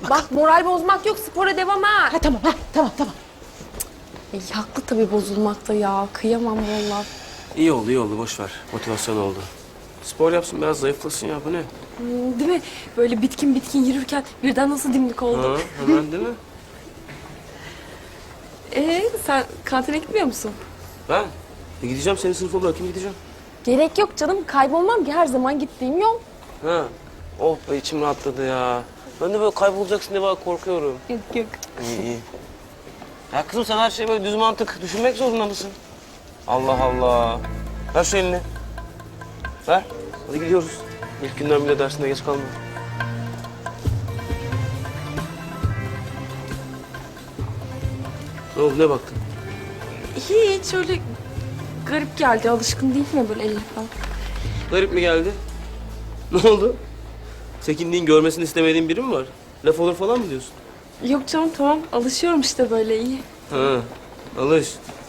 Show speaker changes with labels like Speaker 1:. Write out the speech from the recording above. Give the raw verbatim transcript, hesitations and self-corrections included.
Speaker 1: Hadi bakalım.
Speaker 2: Bak moral bozmak yok, spora devam ha.
Speaker 1: Ha tamam ha tamam tamam.
Speaker 2: Ay, haklı tabii bozulmakta ya. Kıyamam vallahi.
Speaker 3: İyi oldu, iyi oldu. Boş ver. Motivasyon oldu. Spor yapsın, biraz zayıflasın ya. Bu ne?
Speaker 2: Hmm, değil mi? Böyle bitkin bitkin yürürken birden nasıl dimdik oldu.
Speaker 3: Ha, hemen değil mi?
Speaker 2: Ee, sen kantine gitmiyor musun?
Speaker 3: Ben? E gideceğim, senin sınıfa bırakayım gideceğim.
Speaker 2: Gerek yok canım. Kaybolmam ki, her zaman gittiğim yol.
Speaker 3: Ha. Oh be, içim rahatladı ya. Ben de böyle kaybolacaksın diye bak korkuyorum.
Speaker 2: Yok yok.
Speaker 3: İyi iyi. Ya kızım sen her şeyi böyle düz mantık düşünmek zorunda mısın? Allah Allah. Ver şu elini. Ver. Hadi gidiyoruz. İlk günden bile dersine geç kalma. Ne oldu, ne baktın?
Speaker 2: Hiç öyle garip geldi. Alışkın değil mi böyle elle falan?
Speaker 3: Garip mi geldi? Ne oldu? Çekindiğin, görmesini istemediğin biri mi var? Laf olur falan mı diyorsun?
Speaker 2: Yok canım, tamam. Alışıyorum işte, böyle iyi.
Speaker 3: Ha, alış.